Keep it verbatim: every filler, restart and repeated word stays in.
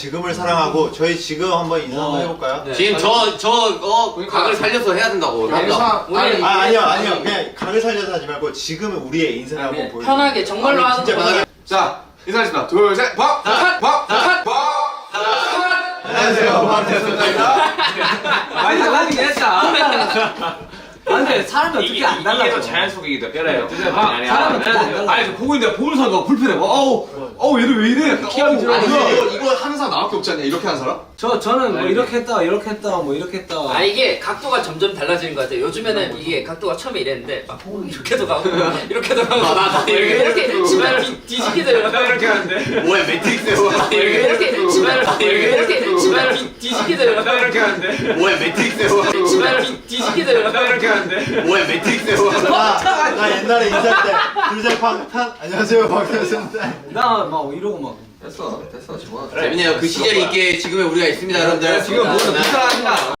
지금을 사랑하고 저희 지금 한번 인사 한번 해볼까요? 네. 지금 저 저 어 각을 살려서 해야 된다고. 아, 아니, 아 아니요 아니요 그냥 각을 살려서 하지 말고 지금은 우리의 인사를 한번 보여줘. 편하게 정말로 하는 진짜 편하게. 자 인사하겠습니다. 둘, 셋, 박, 박, 박, 박, 박. 안녕하세요 박태수입니다. 많이 달라지긴 했다. 근데 사람이 어떻게 안 달라져? 이게 더 자연 속이기도 뼈래요. 아, 사람이 어떻게 안 달라져? 아니 저 보고 있는데 보면서 막 불편해. 막, 어우, 어우 얘는 왜 이래? 기억이 들어. 아니 이거 이거 하는 사람 나밖에 없지 않냐? 이렇게 하는 사람? 저 저는 뭐 이렇게 했다, 이렇게 했다, 뭐 이렇게 했다. 아 이게 각도가 점점 달라지는 것 같아요. 요즘에는 이게 각도가 처음에 이랬는데 막 이렇게도 가고 이렇게도 가고 나 이렇게 이렇게 지면을 뒤지기도 이렇게 하는데. 뭐야 매트릭스요? 이렇게 이렇게 지면을 이렇게 지면을 뒤지기도 이렇게 하는데. 뭐야 매트릭스요? 지면을 뒤지기도 이렇게 하는데. 뭐야 매트릭스요? 나, 나 옛날에 인사할 때 둘셋팡탄 안녕하세요 박태수입니다. 나 막 이러고 막. 됐어, 됐어, 좋아. 그래. 재밌네요. 그 시절이 있게 지금의 우리가 있습니다, 여러분들. 지금 뭐든 불편하니까.